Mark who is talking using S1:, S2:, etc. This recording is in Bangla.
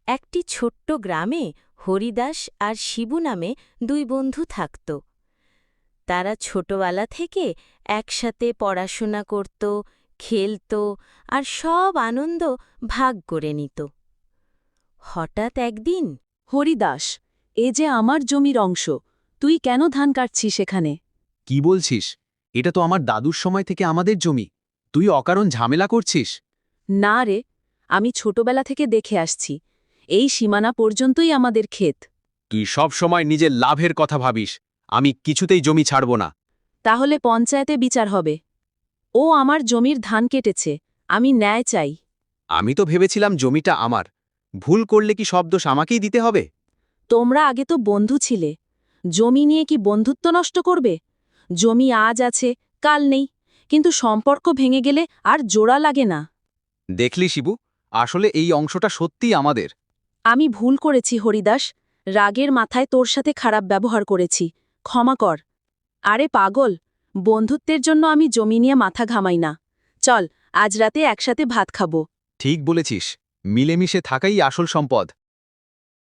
S1: একটি ছোট্ট গ্রামে হরিদাস আর শিবু নামে দুই বন্ধু থাকত। তারা ছোটবেলা থেকে একসাথে পড়াশোনা করত, খেলত আর সব আনন্দ ভাগ করে নিত। হঠাৎ একদিন
S2: হরিদাস, এ যে আমার জমির অংশ, তুই কেন ধান কাটছিস এখানে?
S3: কি বলছিস? এটা তো আমার দাদুর সময় থেকে আমাদের জমি। তুই অকারণ ঝামেলা করছিস।
S2: না রে, আমি ছোটবেলা থেকে দেখে আসছি, এই সীমানা পর্যন্তই আমাদের ক্ষেত।
S3: তুই সব সময় নিজের লাভের কথা ভাবিস। আমি কিছুতেই জমি ছাড়ব না।
S2: তাহলে পঞ্চায়েতে বিচার হবে। ও আমার জমির ধান কেটেছে, আমি ন্যায় চাই।
S3: আমি তো ভেবেছিলাম জমিটা আমার। ভুল করলে কি সব দোষ আমাকেই দিতে হবে?
S2: তোমরা আগে তো বন্ধু ছিলে, জমি নিয়ে কি বন্ধুত্ব নষ্ট করবে? জমি আজ আছে, কাল নেই, কিন্তু সম্পর্ক ভেঙে গেলে আর জোড়া লাগে না।
S3: দেখলি শিবু, আসলে এই অংশটা সত্যিই আমাদের।
S2: আমি ভুল করেছি হরিদাস, রাগের মাথায় তোর সাথে খারাপ ব্যবহার করেছি, ক্ষমা কর। আরে পাগল, বন্ধুত্বের জন্য আমি জমি নিয়ে মাথা ঘামাই না। চল, আজ রাতে একসাথে ভাত খাবো।
S3: ঠিক বলেছিস, মিলেমিশে থাকাই আসল সম্পদ।